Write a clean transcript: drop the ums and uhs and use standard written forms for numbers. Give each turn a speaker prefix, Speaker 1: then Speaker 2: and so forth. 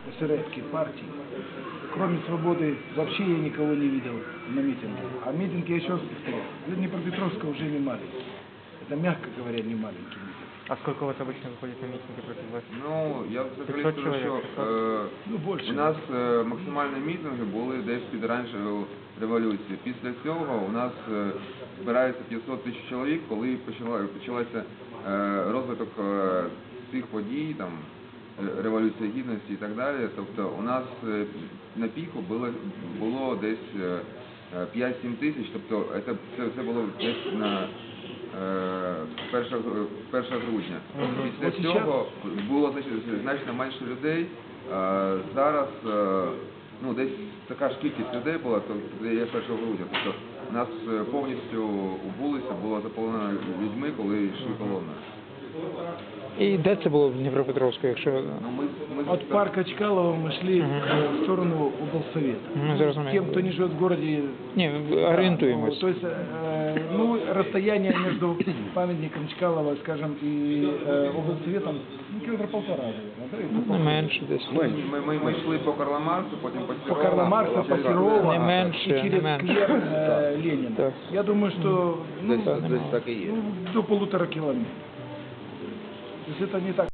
Speaker 1: эсеровских партий. Кроме свободы вообще я никого не видел на митинге. А митинги, я еще раз повторяю, для Днепропетровска уже не маленький. Это, мягко говоря, не маленький митинг.
Speaker 2: А сколько у вас обычно выходит на митинги против власти?
Speaker 3: Ну, я взагалі
Speaker 2: 500
Speaker 3: скажу, що
Speaker 2: чоловік,
Speaker 3: у нас максимальні мітинги були десь під оранжевою революцією. Після цього у нас збирається 500 тисяч чоловік, коли почався розвиток цих подій, там, Революції Гідності і так далі. Тобто у нас на піку було десь 5-7 тисяч, тобто це було десь на 1 грудня. Після цього було значно менше людей. Зараз ну, десь така ж кількість людей була, то є 1 грудня. Тобто у нас повністю вулиця була заповнена людьми, коли йшли колони.
Speaker 4: І де це було в Дніпропетровську, якщо...
Speaker 1: От парка Чкалова мы шли в сторону облсовета. Тем, кто не живет в городе...
Speaker 4: Не, ориентуемся.
Speaker 1: То есть, ну, расстояние между памятником Чкалова, скажем, и облсоветом, ну, километра 1,5, наверное, да?
Speaker 4: Не менше десь.
Speaker 3: Ми йшли по Карла Марксу, потім по
Speaker 1: По Карла Маркса, по Серова,
Speaker 4: Не менше,
Speaker 1: и через
Speaker 4: не менше.
Speaker 1: сквер Ленина.
Speaker 4: Так.
Speaker 1: Я думаю, что ну,
Speaker 4: Так і є.
Speaker 1: до 1,5 километра. То есть это не так.